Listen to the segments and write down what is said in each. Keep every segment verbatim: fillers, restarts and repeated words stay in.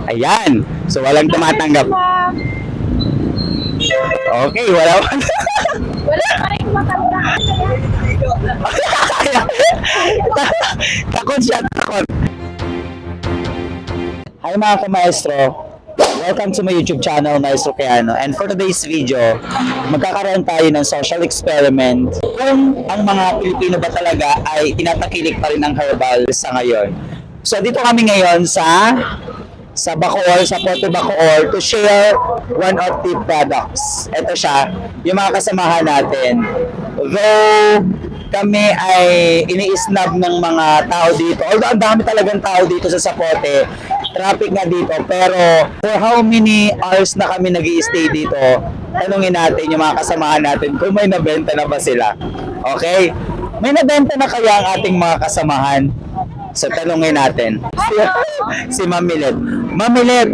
Ayan. So, walang tumatanggap. Okay, wala. Wala pa rin matanda. Takot siya, takot. Hi mga ka-maestro. Welcome to my YouTube channel, Maestro Keano. And for today's video, magkakaroon tayo ng social experiment kung ang mga Pilipino ba talaga ay tinatakilik pa rin ng herbal sa ngayon. So dito kami ngayon sa sa Bacoor, sa Puerto Bacoor to share one of the products. Ito siya, yung mga kasamahan natin. Though kami ay ini-snub ng mga tao dito, although ang dami talagang tao dito sa Zapote, traffic nga dito, pero for how many hours na kami nag-i-stay dito, tanungin natin yung mga kasamahan natin kung may nabenta na ba sila. Okay? May nabenta na kaya ang ating mga kasamahan? So tanungin natin. Si, si Ma'am Milet. Ma'am Milet,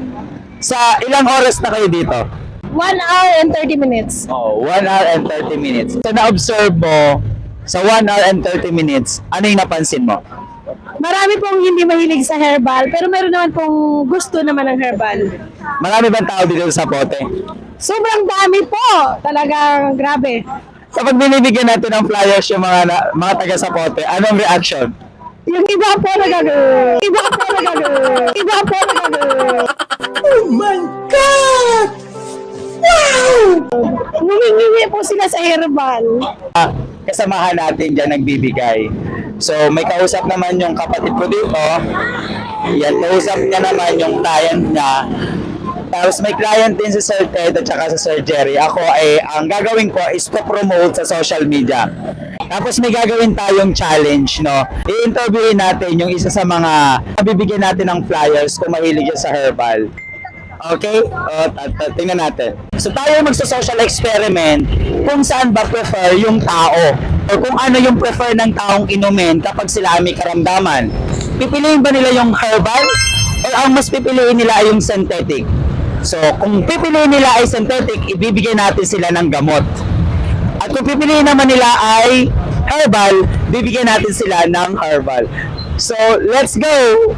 sa ilang oras na kayo dito? one hour and thirty minutes. Oh, one hour and thirty minutes. So na-observe mo, sa one hour and thirty minutes, ano yung napansin mo? Marami pong hindi mahilig sa herbal, pero meron naman pong gusto naman ng herbal. Marami bang tao dito sa Zapote? Sobrang dami po. Talagang grabe. Kapag binibigyan natin ng flyers yung mga, na, mga taga Zapote, anong reaction? Yung iba po nagag... Iba po nagag... Iba po nagag... Oh my God! Wow! Humingi po sila sa herbal. Ah, kasamahan natin dyan nagbibigay. So, may kausap naman yung kapatid ko dito. Yan, kausap niya naman yung client niya. Tapos may client din si Sir Ted at saka si Sir Jerry. Ako ay, ang gagawin ko is to promote sa social media. Tapos may gagawin tayong challenge, no? I-interviewin natin yung isa sa mga nabibigyan natin ng flyers kung mahilig siya sa herbal. Okay? O, tingnan natin. So tayo magsa-social experiment kung saan ba prefer yung tao o kung ano yung prefer ng taong inumin kapag sila ay may karamdaman. Pipiliin ba nila yung herbal o ang mas pipiliin nila ay yung synthetic? So kung pipiliin nila ay synthetic, ibibigay natin sila ng gamot. At kung pipiliin naman nila ay herbal, bibigyan natin sila ng herbal. So let's go!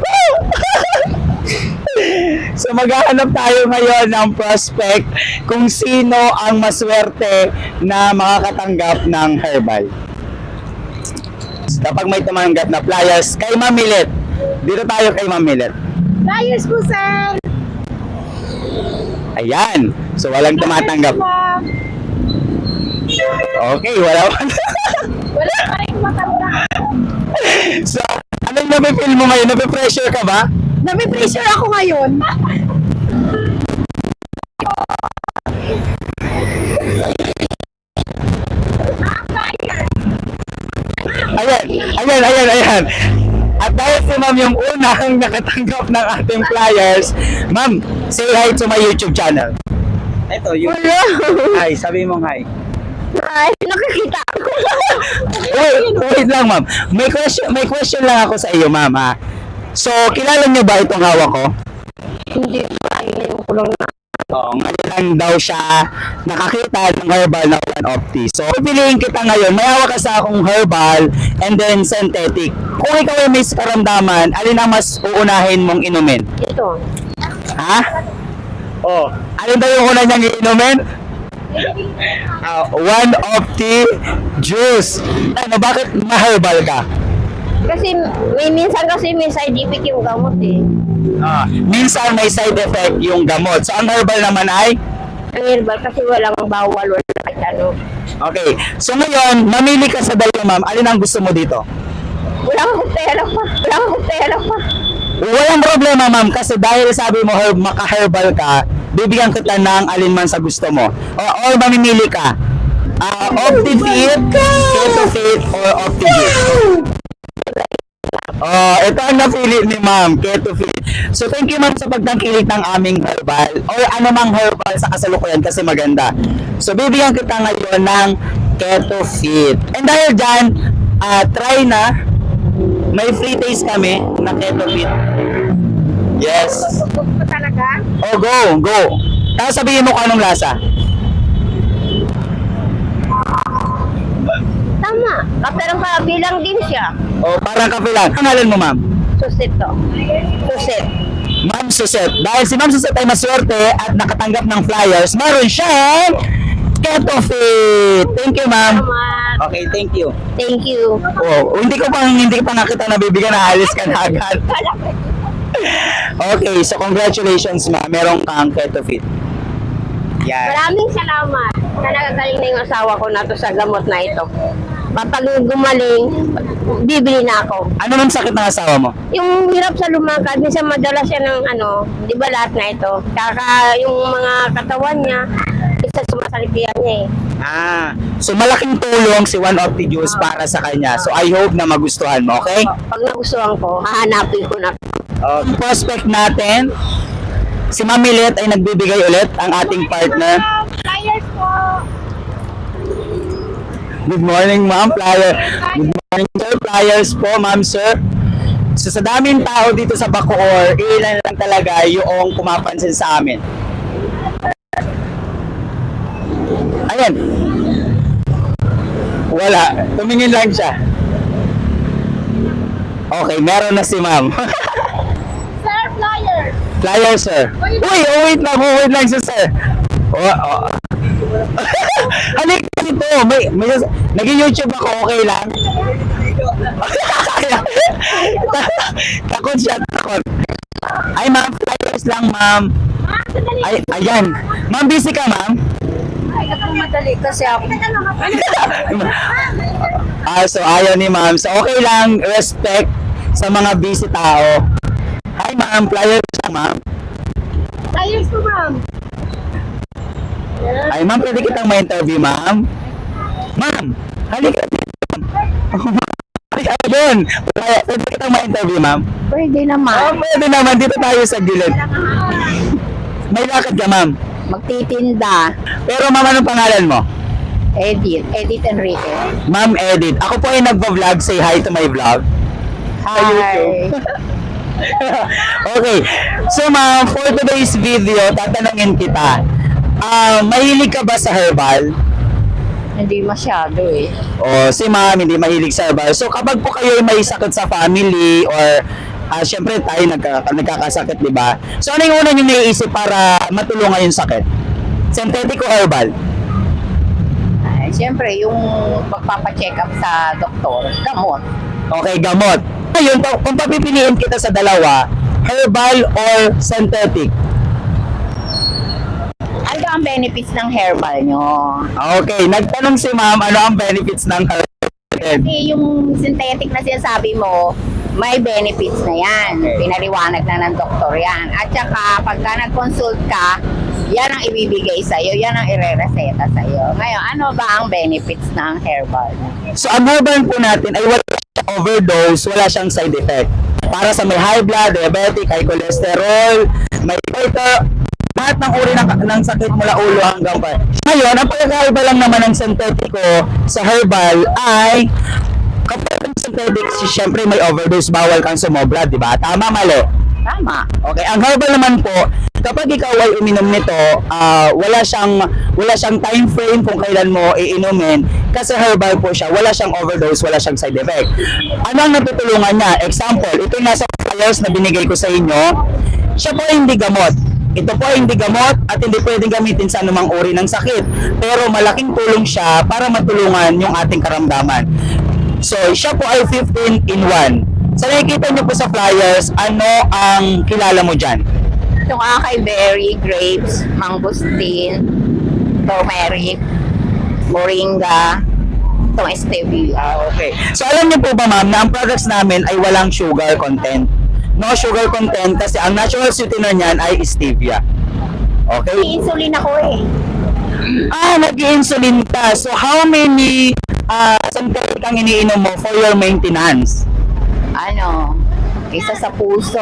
So maghahanap tayo ngayon ng prospect kung sino ang maswerte na makakatanggap ng herbal. Kapag may tumanggap na flyers, kay Ma'am Milet. Dito tayo kay Ma'am Milet. Flyers po, sir. Ayan. So walang tumatanggap. Okay, wala pa. Wala pa rin matanda. So, ano yung napipil mo ngayon? Napipressure ka ba? Nabi-pressure ako ngayon. Ayan, ayan, ayan, ayan. At dahil si Ma'am yung unang nakatanggap ng ating flyers, Ma'am, say hi to my YouTube channel. Ito, yung Hello. hi, sabi mong hi. Ay, nakikita ko. Wait, wait lang Ma'am. May question, may question lang ako sa iyo, Ma'am, ha? So, kilala niyo ba itong hawak ko? Hindi pa, yung kulong na. Oo, ngayon lang daw siya nakakita ng herbal na one of these. So, pipiliin kita ngayon, may hawak ka sa akong herbal and then synthetic. Kung ikaw ay may karamdaman, alin ang mas uunahin mong inumin? Ito. Ha? Oh, alin daw yung una niyang iinumin? Uh, one of the juice. Ano, bakit ma-herbal ka? Kasi may minsan kasi may side effect yung gamot eh. Ah, minsan may side effect yung gamot. So, ang herbal naman ay? Ang herbal kasi walang bawal, wala kahit ano. Okay. So, ngayon, mamili ka sa dalawa, Ma'am. Alin ang gusto mo dito? Walang pera pa. Walang pera pa. Walang problema, Ma'am, kasi dahil sabi mo herb, maka-herbal ka, bibigyan kita ng alinman sa gusto mo. O, or mamimili ka. Uh, Optifit, Ketofit, or Optifit. Oh, ito ang napili ni Ma'am, Ketofit. So, thank you, Ma'am, sa pagtangkilik ng aming herbal or anumang herbal sa kasalukuyan kasi maganda. So, bibigyan kita ngayon ng Ketofit. And dahil dyan, uh, try na. May free taste kami na Ketofit. Yes. Gusto ko talaga. Oh, go, go. Tapos sabihin mo kung anong lasa. Tama. Kaperang kabilang din siya. Oh, parang kape lang. Ang ngalan mo, Ma'am? Susit to. Susit. Ma'am Suset. Dahil si Ma'am Suset ay maswerte at nakatanggap ng flyers, meron siyang Keto Fit. Thank you, Ma'am. Salamat. Okay, thank you. Thank you. Oh, hindi ko pa hindi ko pa nakita na bibigyan na alis ka na agad. Okay, so congratulations, Ma'am. Meron kang Keto Fit. Yan. Maraming salamat na nagagaling na yung asawa ko na to sa gamot na ito. Kapag gumaling, bibili na ako. Ano nang sakit ng asawa mo? Yung hirap sa lumakad, minsan madala siya ng ano, di ba lahat na ito? Kaka yung mga katawan niya, isa sumasalipian niya eh. Ah, so malaking tulong si One of the Juice para sa kanya. So I hope na magustuhan mo, okay? Pag nagustuhan ko, hahanapin ko na. Uh, prospect natin, si Ma'am Milet ay nagbibigay ulit ang ating partner. Flyers po! Good morning, Ma'am. Flyer. Good morning, sir. Flyers po, Ma'am, sir. So sa daming tao dito sa Bacoor, ilan lang talaga yung pumapansin sa amin. Ayan. Wala. Tumingin lang siya. Okay, meron na si Ma'am. Sir, flyers! Flyer, sir. Uy, oh, wait lang, oh, wait lang siya, sir. Oh, oh. Halika dito. May, may, nag-YouTube ako, okay lang? Takot siya, takot. Ay, ma'am, flyers lang, ma'am. Ay, ayan. Ma'am, busy ka, ma'am? Ay, ako madali kasi ako. Ah, so ayaw ni ma'am. So okay lang, respect sa mga busy tao. Hi, ma'am. Flyers lang, ma'am. Flyers po, ma'am. Ay, ma'am, pwede kitang ma-interview, ma'am? Ma'am, halika dito, ma'am. Ay, ayun. Pwede kitang ma-interview, ma'am? Pwede Oh, naman. pwede naman. Dito tayo sa gilid. May lakad ka, ma'am. Magtitinda. Pero, ma'am, anong pangalan mo? Edith. Edith Enrique. Ma'am Edith. Ako po ay nagpa-vlog. Say hi to my vlog. Hi. Okay. So, ma'am, for today's video, tatanungin kita. Ah, mahilig ka ba sa herbal? Hindi masyado eh. O si ma'am hindi mahilig sa herbal. So kapag po kayo ay may sakit sa family or ah, syempre tayo nagka, nagkakasakit, di ba? So ano yung una niyo naiisip para matulungan yung sakit? Synthetic o herbal? Ay, siyempre, yung pagpapacheck up sa doktor, gamot. Okay, gamot. Ngayon, pa- kung papipiliin kita sa dalawa, herbal or synthetic? Ano ang benefits ng herbal nyo? Okay, nagtanong si ma'am ano ang benefits ng herbal. Kasi yung synthetic na sinasabi mo, may benefits na yan. Okay. Pinaliwanag na ng doktor yan. At saka, pagka nag-consult ka, yan ang ibibigay sa'yo, yan ang ire-reseta sa'yo. Ngayon, ano ba ang benefits ng herbal? So ang herbal po natin ay wala siyang overdose, wala siyang side effect. Para sa may high blood, diabetic, high cholesterol, may goiter, lahat ng uri ng, ng sakit mula ulo hanggang pa. Ngayon, ang pagkakaiba lang naman ng synthetico sa herbal ay kapag ang synthetic, syempre may overdose, bawal kang sumobra, di ba? Tama, mali? Tama. Okay, ang herbal naman po, kapag ikaw ay uminom nito, ah, wala siyang wala siyang time frame kung kailan mo iinumin kasi herbal po siya, wala siyang overdose, wala siyang side effect. Ano ang natutulungan niya? Example, ito yung nasa flyers na binigay ko sa inyo, siya po ay hindi gamot. Ito po ay hindi gamot at hindi pwedeng gamitin sa anumang uri ng sakit. Pero malaking tulong siya para matulungan yung ating karamdaman. So, siya po ay fifteen in one. Sa nakikita niyo po sa flyers, ano ang kilala mo dyan? Itong acai berry, grapes, mangosteen, turmeric, moringa, itong stevia. Ah, okay. So, alam niyo po ba ma'am na ang products namin ay walang sugar content? No sugar content kasi ang natural sweetener niyan ay stevia. Okay? Insulin ako eh. Ah, nag-insulin ka. So, how many uh, synthetic ang iniinom mo for your maintenance? Ano, isa sa puso,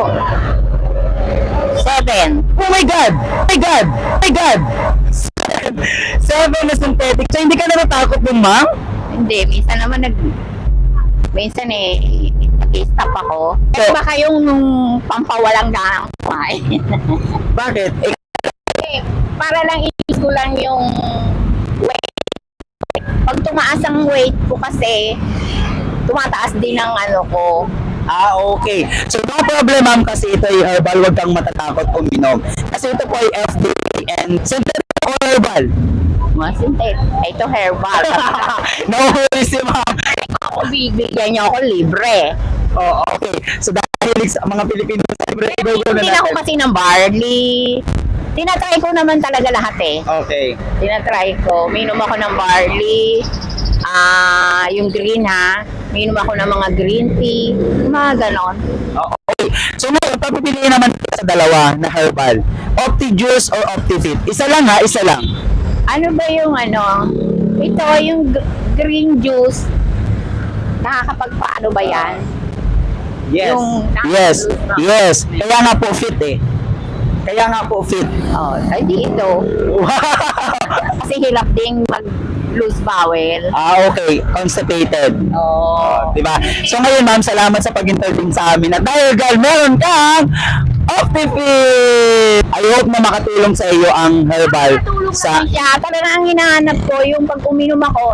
seven. Oh my God! Oh my God! Oh my God! Seven na synthetic. So, hindi ka natatakot dun, ma'am? Hindi, minsan naman nag... Minsan eh, nag-stop ako. So- Eh, baka yung nung pampawalang ganang kumain. Bakit? Eh, Eh, para lang i-is ko lang yung weight. Pag tumaas ang weight ko kasi, tumataas din ang ano ko, Ah, okay. So, no problem, ma'am, kasi ito ay herbal. Huwag kang matatakot uminom. Kasi ito po ay F D A and synthetic or herbal. Mga sintet. Ito herbal. No worries, si ma'am. Ako bibigyan niyo ako libre. Oh, okay. So, dahil sa mga Pilipino sa libre, go go na Hindi ako natin. kasi ng barley. Tinatry ko naman talaga lahat eh. Okay. Tinatry ko. Minom ako ng barley. Ah, yung green ha. Minom ako ng mga green tea. Mga ganon. Oh, okay. So, ngayon, papipiliin naman kita sa dalawa na herbal. Opti-Juice or Opti-Fit? Isa lang ha, isa lang. Ano ba yung ano? Ito, yung g- green juice. Nakakapagpaano ba yan? Yes. Yung- yes. Yes. Kaya nga po fit eh. Kaya nga po fit. Oh, ay di ito. Kasi hirap ding mag-lose bowel. Ah, okay. Constipated. Oh. Diba? So ngayon, ma'am, salamat sa pag-intervene sa amin. At dahil, girl, meron kang OptiFit! I hope na makatulong sa iyo ang herbal Nakatulong sa... naman siya. Talaga ang hinahanap ko, yung pag uminom ako,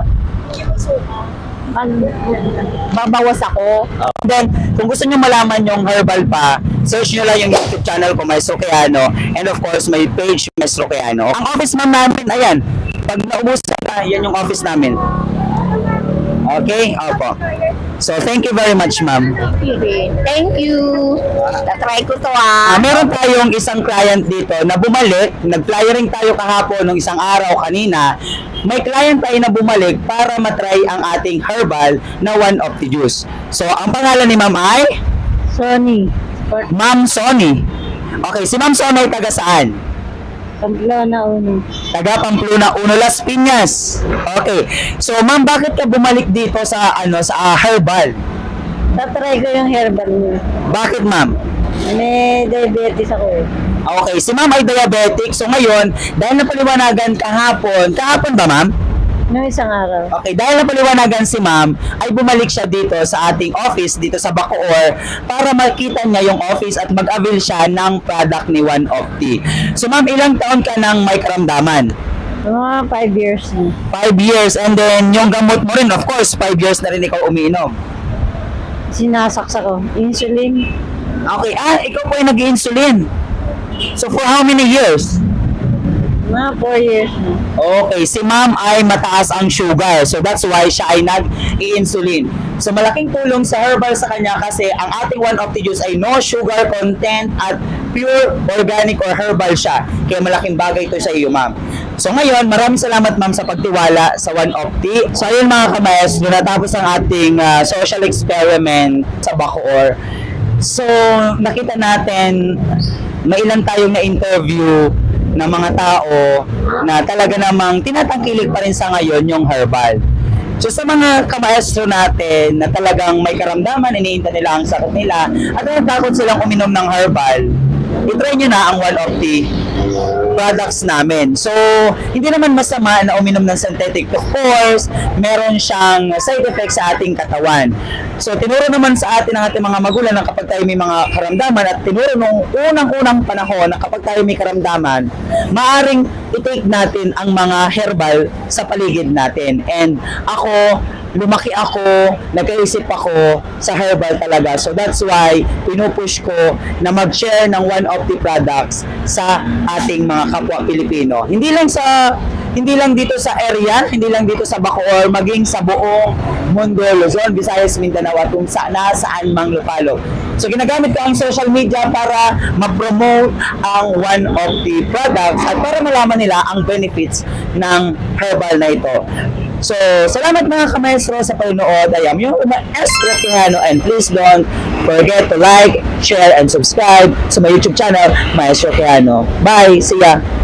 mag, babawas ako. Uh, then, kung gusto nyo malaman yung herbal pa, search nyo lang yung YouTube channel ko, Maestro Keano. And of course, may page, Maestro Keano. Ang office ma'am namin, ayan. Pag naubusan na, yan yung office namin. Okay? Opo. So, thank you very much, ma'am. Thank you. Tatry ko to Ah, ah. meron tayong isang client dito na bumalik, nag-flyering tayo kahapon nung isang araw kanina. May client tayo na bumalik para matry ang ating herbal na One of the Juice. So, ang pangalan ni ma'am ay? Sony. Ma'am Sony. Okay, si ma'am Sony ay taga saan? Pamplona uno. Taga Pamplona, Uno, Las Piñas. Okay. So, ma'am, bakit ka bumalik dito sa ano sa ah, herbal? Tatry ko yung herbal niya. Bakit, ma'am? May diabetes ako eh. Okay, si ma'am ay diabetic. So, ngayon, dahil napaliwanagan kahapon, kahapon ba, ma'am? Noong isang araw. Okay, dahil napaliwanagan si ma'am, ay bumalik siya dito sa ating office, dito sa Bacoor, para makita niya yung office at mag-avail siya ng product ni One Opti. So ma'am, ilang taon ka nang may karamdaman? Mga five years na. Five years, and then yung gamot mo rin, of course, five years na rin ikaw umiinom. Sinasaksa ko. Insulin. Okay, ah, ikaw po ay nag-insulin. So for how many years? Mga four years na. Okay, si ma'am ay mataas ang sugar. So that's why siya ay nag-i-insulin. So malaking tulong sa herbal sa kanya kasi ang ating One of the Juice ay no sugar content at pure organic or herbal siya. Kaya malaking bagay ito sa iyo, ma'am. So ngayon, maraming salamat, ma'am, sa pagtiwala sa One of the. So ayun, mga kamayas, natapos ang ating ah, social experiment sa Bacoor. So nakita natin may ilan tayong na-interview ng mga tao na talaga namang tinatangkilik pa rin sa ngayon yung herbal. So sa mga kamaestro natin na talagang may karamdaman, iniinta nila ang sakit nila at natatakot silang uminom ng herbal, itry nyo na ang one of the products namin. So, hindi naman masama na uminom ng synthetic. Of course, meron siyang side effects sa ating katawan. So, tinuro naman sa atin ng ating mga magulang na kapag tayo may mga karamdaman at tinuro nung unang-unang panahon na kapag tayo may karamdaman, maaring i-take natin ang mga herbal sa paligid natin. And ako, lumaki ako, nagkaisip ako sa herbal talaga. So that's why pinupush ko na mag-share ng one of the products sa ating mga kapwa Pilipino. Hindi lang sa hindi lang dito sa area, hindi lang dito sa Bacoor, maging sa buong mundo, Luzon, Visayas, Mindanao at kung saan nasaan mang lupalop. So ginagamit ko ang social media para ma-promote ang one of the products at para malaman nila ang benefits ng herbal na ito. So, salamat mga kamaestro sa panonood. I am yung Maestro Keano and please don't forget to like, share, and subscribe sa my YouTube channel, Maestro Keano. Bye! See ya!